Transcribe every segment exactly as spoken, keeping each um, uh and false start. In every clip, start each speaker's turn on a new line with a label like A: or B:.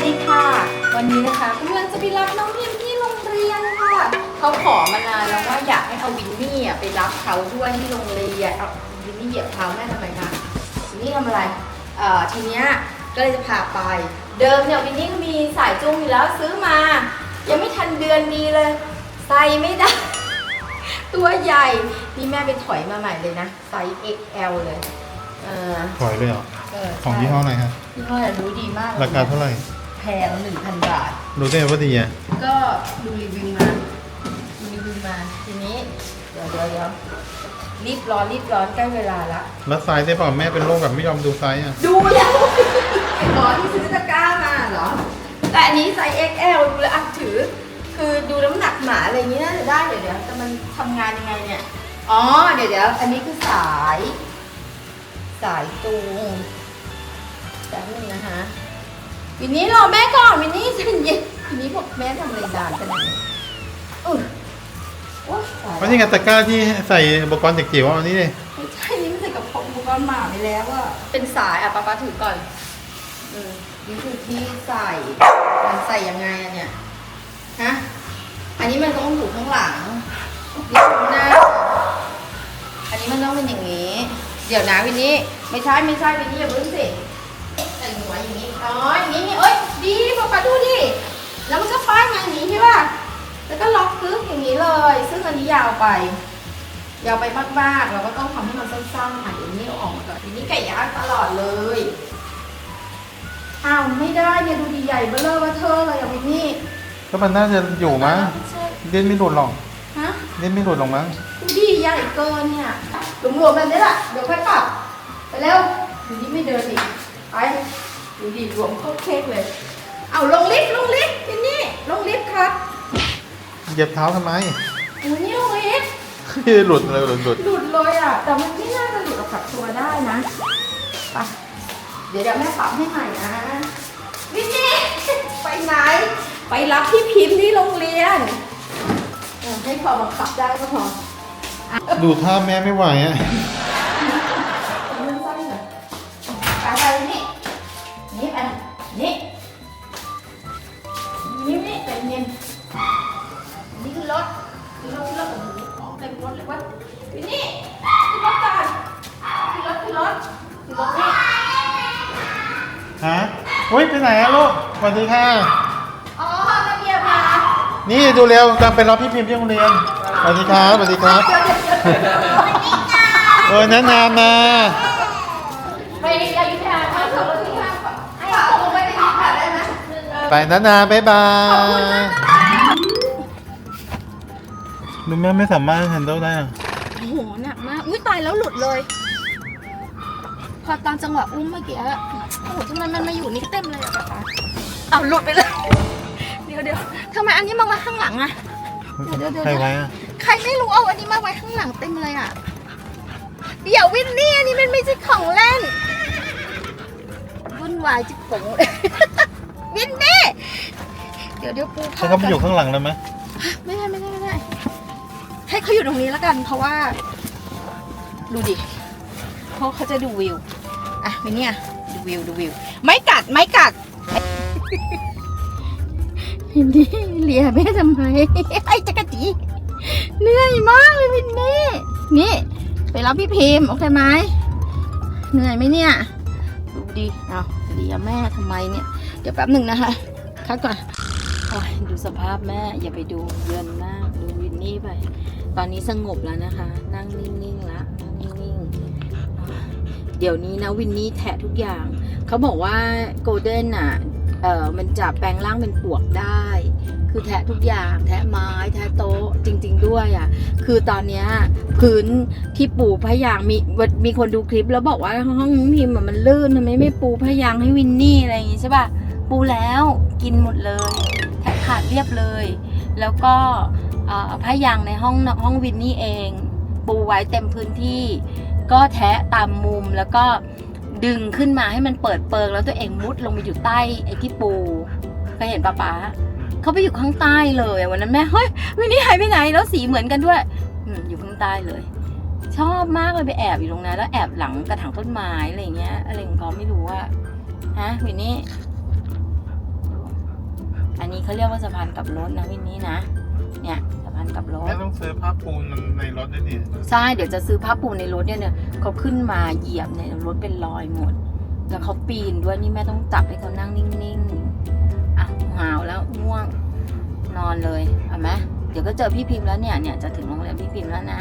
A: ดีค่ะวันนี้นะคะกำลังจะไปรับน้องพิมที่โรงเรียนค่ะเขาขอมานานแล้วว่าอยากให้เอาวินนี่ไปรับเขาด้วยที่โรงเรียนเอาวินนี่เหยียบเท้าแม่ทำไมคะวินนี่ทำอะไรเอ่อทีเนี้ยก็เลยจะพาไปเดิมเนี่ยวินนี่ก็มีสายจูงอยู่แล้วซื้อมายังไม่ทันเดือนดีเลยใส่ไม่ได้ตัวใหญ่นี่แม่ไปถอยมาใหม่เลยนะไซส์ เอ็กซ์ แอล เลยเออ
B: ถอยเลยเหรอ
A: เออ
B: ของยี่ห้อไหนครับ
A: ยี่ห้อรู้ดีมากเลย
B: ราคาเท่าไหร่
A: แพง หนึ่งพัน บาท
B: รู้ได้ว่าดีอ่ะ
A: ก็ดูรีวิวมาดูรีวิวมาทีนี้เดี๋ยวเดี๋ยวเดี๋ยวรีบร้อนรีบร้อนใกล้เวลาละ
B: แล้วไซส์ได้เปล่าแม่เป็นโรคแบบไม่ยอมดูไซส์อ่ะ
A: ดูแล้วอ๋อที่ซื้อตะกร้ามาเหรอแต่อันนี้ไซส์ เอ็กซ์ แอล ดูแล้วอ่ะถือคือดูน้ำหนักหมาอะไรอย่างนี้น่าจะได้เดี๋ยวเดี๋ยวแต่มันทำงานยังไงเนี่ยอ๋อเดี๋ยวเดี๋ยวอันนี้คือสายสายจูงแต่นึงนะคะวินนี้รอแม่ก่อนวินนี่ใจเย็นวินนี้บอกแม่ทำอะไรดานขนาดนี้อุ้ยโอ๊ยตาย
B: เพราะนี่ไงตะกร้าที่ใส่อุปกรณ์เด็กจิ๋วเอาอันนี้เลย
A: ไม่ใช่นี่มันใส่กับผมอุปกรณ์หมาไปแล้วอะเป็นสายอ่ะป๊าป๊าถือก่อนอืมนี่คือที่ใส่มันใส่ยังไงอะเนี่ยฮะอันนี้มันต้องอยู่ข้างหลังนี่ตรงหน้าอันนี้มันต้องเป็นอย่างนี้เดี๋ยวนะวินนี่ไม่ใช่ไม่ใช่วินนี่อย่าเพิ่งสิแต่หัวอย่างนี้อ๋ออย่างนี้นี่เอ้ยดีป๊าป๊าดูดิแล้วมันก็ป้ายมาอย่างนี้ใช่ป่ะแล้วก็ล็อกกึ๊กอย่างนี้เลยซึ่งอันนี้ยาวไปยาวไปมากๆเราก็ต้องทำให้มันสั้นๆอ่ะเดี๋ยวนี้เอาออกมาก่อนทีนี้ไก่ย่างตลอดเลยอ้าวไม่ได้เนี่ยดูดีใหญ่เบ้อเร่อเบ้อเทอเลยอ่ะวินนี่
B: ก็มันน่าจะอยู่มั้งเล่นไม่หลุดหรอก
A: ฮะ
B: เล่นไม่หลุดหรอกมั้ง
A: ดูดีใหญ่เกินเนี่ยรวมๆแบบนี้แหละเดี๋ยวค่อยปรับไปเร็วดูนี่ไม่เดินอีกไปดูดีรวมเข้าเค้กเลยเอาลงลิฟต์ลงลิฟต์วินนี่ลงลิฟต์ครับ
B: เหยียบเท้าทำไม
A: โอ้ยนี่ลงลิฟต์
B: หลุดเลยหลุดหลุด
A: หลุดเลยอ่ะแต่มันไม่น่าจะหลุดออกจากตัวได้นะไปเดี๋ยวเดี๋ยวแม่ปรับให้ใหม่นะวินนี่ไปไหนไปรับพี่พิมพ์ที่โรงเรียนเออให้พอบังคับได้ก็พอ
B: ดูท่าแม่ไม่ไหวอ่ะ
A: เรื่องสั้นเลยไปไปนี่นี่ไปนี่นี่นี่เป็นเงินนี่คือรถคือรถคือรถโอ้โหของเต็มรถเลยวะนี่คือรถกันคือรถคือรถคือรถนี่
B: ฮะอุ้ยไปไหนอะลูกสวัสดีค่ะ
A: อ๋อระเบียบมา
B: นี่ดูเร็วกำลังไปรับพี่พิมพ์ที่โรงเรียนสวัสดีครับสวัสดีครับ
A: เดี๋ยวเดี๋ยวเดี๋ยว
B: โอ้ยแนะนำมา
A: ไปอยุธยาถ้าเกิดว่าที่ห้างให้เอาลงไปในนี้ค่ะได้ไหม
B: ไปนะนาบ๊ายบายดูแม่ไม่สามารถแฮนเดิลได้อะ
A: โอ้โหหนักมากอุ้ยตายแล้วหลุดเลย พอตอนจังหวะอุ้มเมื่อกี้อะโอ้โหทำไมมันมาอยู่นี่เต็มเลยอะป๊าป๊าเอาหลุดไปเลย เดี๋ยวเดี๋ยวทำไมอันนี้มาไว้ข้างหลังอะเดี๋ยวเดี๋ยวเดี๋ยว
B: ใครไว้อะ
A: ใครไม่รู้เอาอันนี้มาไว้ข้างหลังเต็มเลยอะเดี๋ยววินนี่อันนี้มันไม่ใช่ของเล่นวุ่นวายจิ๋งเลย วินนี่เดี๋ยวเดี๋ยวปู
B: เขาเขาไปอยู่ข้างหลังเลยไหม
A: ไม่ได้ไม่ได้ไม่ได้ให้เขาอยู่ตรงนี้แล้วกันเพราะว่าดูดิเพราะเขาจะดูวิวอ่ะวินเนี่ยดูวิวดูวิวไม่กัดไม่กัด วินนี่เลียแม่ทำไมไอ้จักรจีเหนื่อยมากเลยวินนี่นี่ไปรับพี่พิมพ์โอเคไหมเหนื่อยไหมเนี่ยดูดิเอาเลียแม่ทำไมเนี่ยเดี๋ยวแป๊บหนึ่งนะคะคัดก่อนโอ้ยดูสภาพแม่อย่าไปดูเยินมากดูวินนี่ไปตอนนี้สงบแล้วนะคะ นั่งนิ่งๆแล้วนั่งนิ่งๆเดี๋ยวนี้นะวินนี่แทะทุกอย่างเขาบอกว่าโกลเด้นอ่ะเออมันจะแปลงร่างเป็นปวกได้ คือแทะทุกอย่างแทะไม้แทะโต๊ะจริงๆด้วยอ่ะคือตอนเนี้ยพื้นที่ปูพยางมีมีคนดูคลิปแล้วบอกว่าห้องพิมพ์มันลื่นทำไมไม่ปูพยางให้วินนี่อะไรอย่างงี้ใช่ป่ะปูแล้วกินหมดเลยแทะขาดเรียบเลยแล้วก็พยางในห้องห้องวินนี่เองปูไว้เต็มพื้นที่ก็แทะตามมุมแล้วก็ดึงขึ้นมาให้มันเปิดเปิงแล้วตัวเองมุดลงไปอยู่ใต้ไอ้ที่ปูเคยเห็นป้าป๊าเขาไปอยู่ข้างใต้เลยวันนั้นแม่เฮ้ยวินนี่หายไปไหนแล้วสีเหมือนกันด้วยออยู่ข้างใต้เลยชอบมากเลยไปแอบอยู่ตรงนั้นแล้วแอบหลังกระถางต้นไม้อะไรเงี้ยอะไรของเขาไม่รู้ว่าฮะวินนี่นี้เขาเรียกว่าสะพานกลับรถนะวินนี่นะเนี่ยสะพานกลับรถ
B: แม่ต้องซื้อผ้าปูนในรถด้วยนี่
A: ใช่เดี๋ยวจะซื้อผ้าปูในรถเนี่ยเนี่ยเขาขึ้นมาเหยียบเนี่ยรถเป็นรอยหมดแล้วเขาปีนด้วยนี่แม่ต้องจับให้เขานั่งนิ่งๆอ่ะหาวแล้วง่วงนอนเลยเอาไหมเดี๋ยวก็เจอพี่พิมพ์แล้วเนี่ยเนี่ยจะถึงโรงแรมพี่พิมพ์แล้วนะ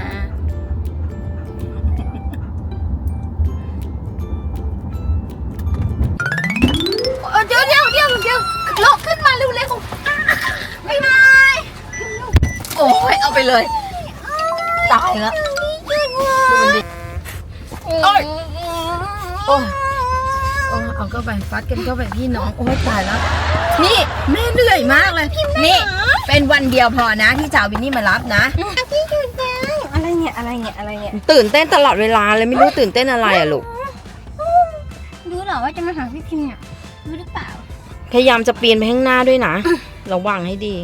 A: เดี๋ยวเดี๋ยวเดี๋ยวเดี๋ยวลุกขึ้นมาเร็วๆไม่ได้โอ้ยเอาไปเลยตายแล้วดูมันดิโอ้ยโอ้ยโอ้ยเอาเข้าไปฟัดกันเข้าไปพี่น้องโอ้ยตายแล้วนี่แม่เหนื่อยมากเลยนี่เป็นวันเดียวพอนะที่จะเอาวินนี่มารับนะ
C: พี่หยุดยังอะไรเนี่ยอะไรเนี่ยอะไรเนี่ย
A: ตื่นเต้นตลอดเวลาเลยไม่รู้ตื่นเต้นอะไรอะลูก
C: รู้เหรอว่าจะมาหาพี่พิมพ์เนี่ยรู้หรือเปล่า
A: พยายามจะปีนไปข้างหน้าด้วยนะระวังให้ดี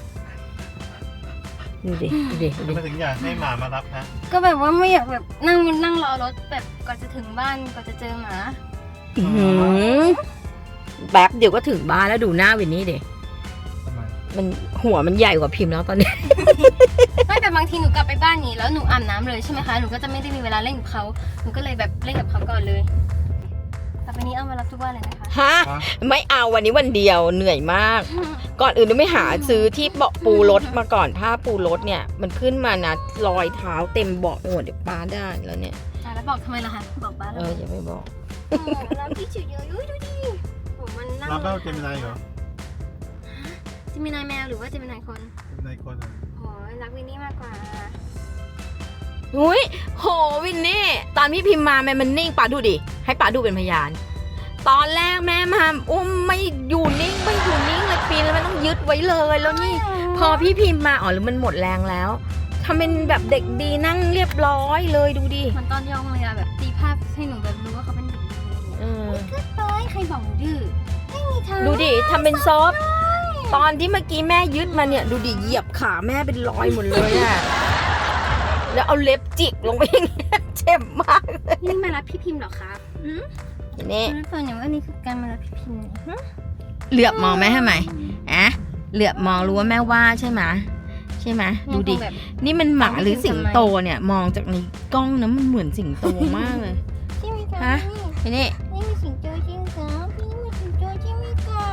A: ดูดิดูดิดู
B: ทำไม
A: ดิ
B: ถึงอยากให้หมามารับนะ
C: ก็แบบว่าไม่อยากแบบนั่งนั่งรอรถแบบก่อนจะถึงบ้านก่อนจะเจอหมา
A: อื้อหือแป๊บเดี๋ยวก็ถึงบ้านแล้วดูหน้าวินนี่ดิ
B: ทำไม
A: มันหัวมันใหญ่กว่าพิมพ์แล้วตอนนี้
C: ไม่แต่บางทีหนูกลับไปบ้านนี้แล้วหนูอาบน้ำเลยใช่ไหมคะหนูก็จะไม่ได้มีเวลาเล่นกับเขาหนูก็เลยแบบเล่นกับเขาก่อนเลยต่อไปนี้เอามารับทุกวันเลยนะคะ
A: ฮะไม่เอาวันนี้วันเดียวเหนื่อยมาก ก่อนอื่นต้องไม่หาซื้อที่เบาะปูรถมาก่อนผ้าปูรถเนี่ยมันขึ้นมานะรอยเท้าเต็มเบาะหมดเดี๋ยวป้าได้แล้วเนี่ย
C: อ่ะแล้วบอกทำไมล่ะคะบอกบ้าน
A: เอ
C: แล้ว
A: ออย่าไปบอก
C: โอ้แล้วพี่เฉยๆอุ้ยดูดิโอ้มันนั่ง
B: รับแล้วเจมินายเหรอ
C: จะมีนายแมวหรือว่าจะมีนายคน
B: เจมินายคนเหรอ
C: โอ้ยรักวินนี่มากกว่า
A: อุ้ยโหวินนี่ตอนพี่พิมพ์มาแม่มันนิ่งป้าดูดิให้ป้าดูเป็นพยาน ตอนแรกแม่มาอุ้มไม่อยู่นิ่งไม่อยู่นิ่งเลยปีนแล้วมันต้องยึดไว้เลยแล้วนี่ พอพี่พิมพ์มาอ๋อหรือมันหมดแรงแล้วทำเป็นแบบเด็กดีนั่งเรียบร้อยเลยดูดิ
C: มันตอนยองเลยอะแบบตีภาพให้หนูแบบรู้ว่าเขาเป็นเด็กดีอะไรเงี้ย
A: เออ
C: ก็ต้อยใครบอกหนูดื้อไม่มีทาง
A: ดูดิทำเป็นซอฟต์ตอนที่เมื่อกี้แม่ยึดมาเนี่ยดูดิเหยียบขาแม่เป็นรอยหมดเลยอะแล้วเอาเล็บจิกลงไปอย่างเงี้ยเจ็บมากเลย
C: นี่มารับพี่พิมพ์เหรอครับอืม
A: นี่
C: รู้ตัวเนี่ยว่านี่คือการมารับพี่พิมพ์เนี่ย
A: เหลือบมองแม่ทำไมอะเหลือบมองรู้ว่าแม่ว่าใช่ไหมใช่ไหมดูดิ
C: แบบ
A: นี่มันหมาหรือสิงโตเนี่ยมองจากในกล้องนะมันเหมือนสิงโตมากเลย
C: ใช่ไหมคะ
A: ฮะ ไอ้นี่
C: นี่มีสิงโตจริงครับพี่มีสิงโตใช่ไหมครับ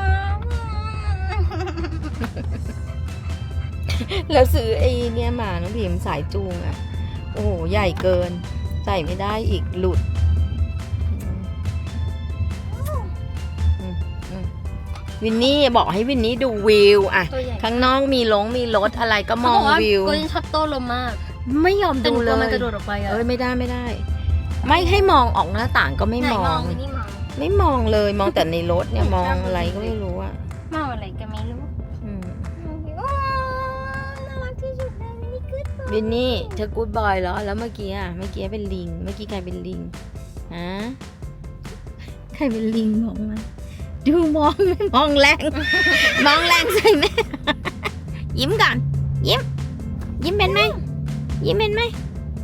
A: แล้วซื้อไอ้เนี่ยมาน้องพิมพ์สายจูงอ่ะโอ้โหใหญ่เกินใส่ไม่ได้อีกหลุดอืมอืมวินนี่บอกให้วินนี่ดูวิวอะ
C: ตัวใหญ่
A: ข้างนอกมีลงมีรถอะไรก็ม
C: เขา
A: อบ
C: อง กว่า
A: วิว
C: โกลเด้นชอบโต้ลมมาก
A: ไม่ยอม
C: แต่ห
A: ดู
C: นูก
A: เล
C: ลัวมัน
A: ย
C: กระโดดออกไปอะ
A: เอ้ยไม่ได้ไม่ได้ ไม่ให้มองออกหน้าต่างก็ไม่
C: ไหน
A: มอ
C: มอง งวินนี่มอง
A: ไม่มองเลยมองแต่ในรถเนี่ยมองอะไรก็ไม่รู้อะ
C: มองอะไรก็ไม่รู้
A: อืม
C: ว้าวน่ารักที่สุดเลยวินนี่คือตัว
A: วินนี่เธอกู๊ดบอยเหรอแล้วเมื่อกี้อะเมื่อกี้เป็นลิง เมื่อกี้ใครเป็นลิงฮะใครเป็นลิงมองมาดูมองไม่มองแรง มองแรงใส่แม่ ยิ้มก่อนยิ้ม ยิ้มเป็นไหมยิ้มเป็นไหม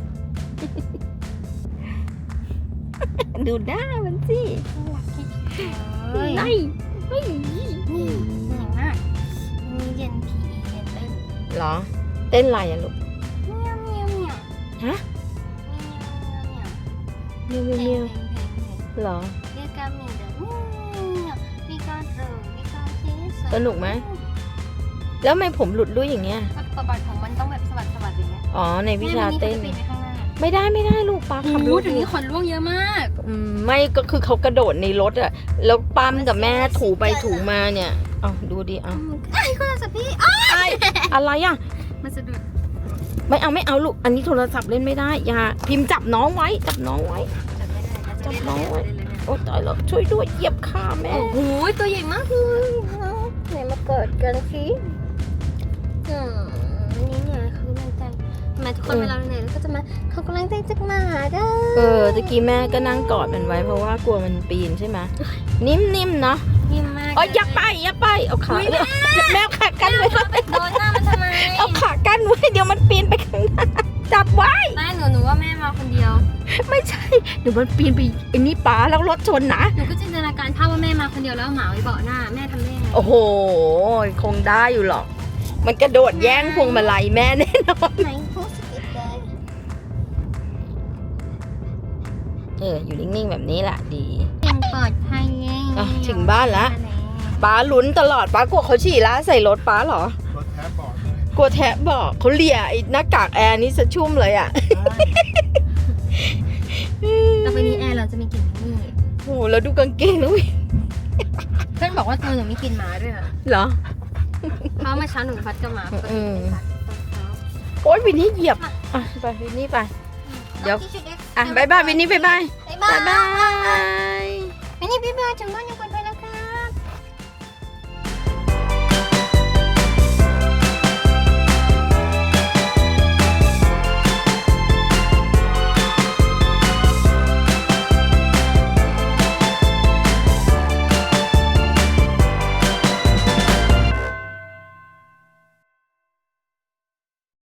A: ดูหน้ามันสิ
C: น่ารักที่สุดเลย
A: ไล่
C: นี่เหนื่อยมากมีเย็นผีเย็นเต้น
A: เหรอ เต้นอะไรอะลูก
C: เมียวเมียวเมียว
A: ฮะ
C: เมียว
A: เมียว
C: เมี
A: เมี
C: ย
A: ยว ว
C: เพลงเพลงเพลงเพลง
A: เหรอ
C: เรียกกามีเดอเมียวมีการเรอมีการเทส
A: สนุกไหม แล้วทำไมผมหลุดลุ่ยอย่างเงี้ย
C: ประวัติของมันต้องแบบสวัสดิ์สวัสดิ์อย่างเงี้ย
A: อ๋อ ในวิชาเต้น
C: แม่วัขาจะปีนไปข้างหน้า
A: ไม่ได้ไม่ได้ลูกปลาขับร
C: โอ้
A: ถ
C: ถึงนี้ขนร่วงเยอะมาก
A: อืมไม่ก็คือเขากระโดดในรถอะแล้วปั๊มกับแม่ถูไปถูมาเนี่ยเอาดูดิเอา
C: ไอ้คนสับพี่อ้าว
A: ไอ้อะไรอะ
C: มันสะดุด
A: ไม่เอาไม่เอาลูก อันนี้โทรศัพท์เล่นไม่ได้ อย่าพิมพ์จับน้องไว้ จับน้องไว้
C: จับไม่ได้นะ
A: จับน้องไว้
C: จะเล่นเลยเนี่ย
A: โอ้ตายแล้วช่วยด้วยเหยียบขาแม่
C: โอ้โหตัวใหญ่มากเลยไหนมาเกิดกันสิอืมนี่เนี่ยคือมันใจทำไมทุกคนเวลาเราเหนื่อยเราก็จะมาเขากำลังใจจากหมาเด้อ
A: เออตะกี้แม่ก็นั่งกอดมันไว้เพราะว่ากลัวมันปีนใช่ไหมนิ่มๆเนาะ
C: นิ่มมาก
A: เอ๋ออย่าไปอย่าไปเอาขาเนี่ยแม่เอาขากั้นไว้
C: โดนหน้ามันทำไม
A: เอาขากั้นไว้เดี๋ยวมันปีนไปข้างหน้าจับไว้
C: ไม่หนูหนูว่าแม่มาคนเดียว
A: ไม่ใช่เดี๋ยวมันปีนไปไอ้นี่ป้าแล้วรถชนนะ
C: หนูก็จินตนาการภาพว่าแม่มาคนเดียวแล้วเอาหมาไว้เบาะหน้าแม่ทำได้ไง
A: โอ้โหคงได้อยู่หรอกมันกระโดดแย่งพวงมาลัยแม่แน่นอน
C: ไหนโพสต์อีกเลย
A: เอออยู่นิ่งๆแบบนี้แหละดี
C: ยังปลอดภัยไง
A: อ่ะถึงบ้านแล้ว ป้าลุ้นตลอดป้ากลัวเขาฉี่ละใส่รถป้าเหรอ
B: รถแทบบอกเลย
A: กลัวแทะบอกเขาเลียไอ้หน้ากากแอร์นี่สะชุ่มเลยอ่ะ
C: ต่อไปนี้แอร์เราจะมีกลิ่นนี่
A: โอ้โหแล้วดูกางเกงนะวิ
C: เพื่อนบอกว่าตัวหนูมีกลิ่นหมาด้วยเหรอ
A: เหรอ
C: เพราะเมื่อเช้าหนูพัดกับหมา
A: อืม โอ๊ยวินนี่เหยียบอ่ะไปวินนี่ไป เดี๋ยว อ่ะบายบายวินนี่บายบาย
C: บ๊ายบา
A: บาย ยบาย
C: วินนี่บ๊ายบายถึงบ้านยังปลอดภัย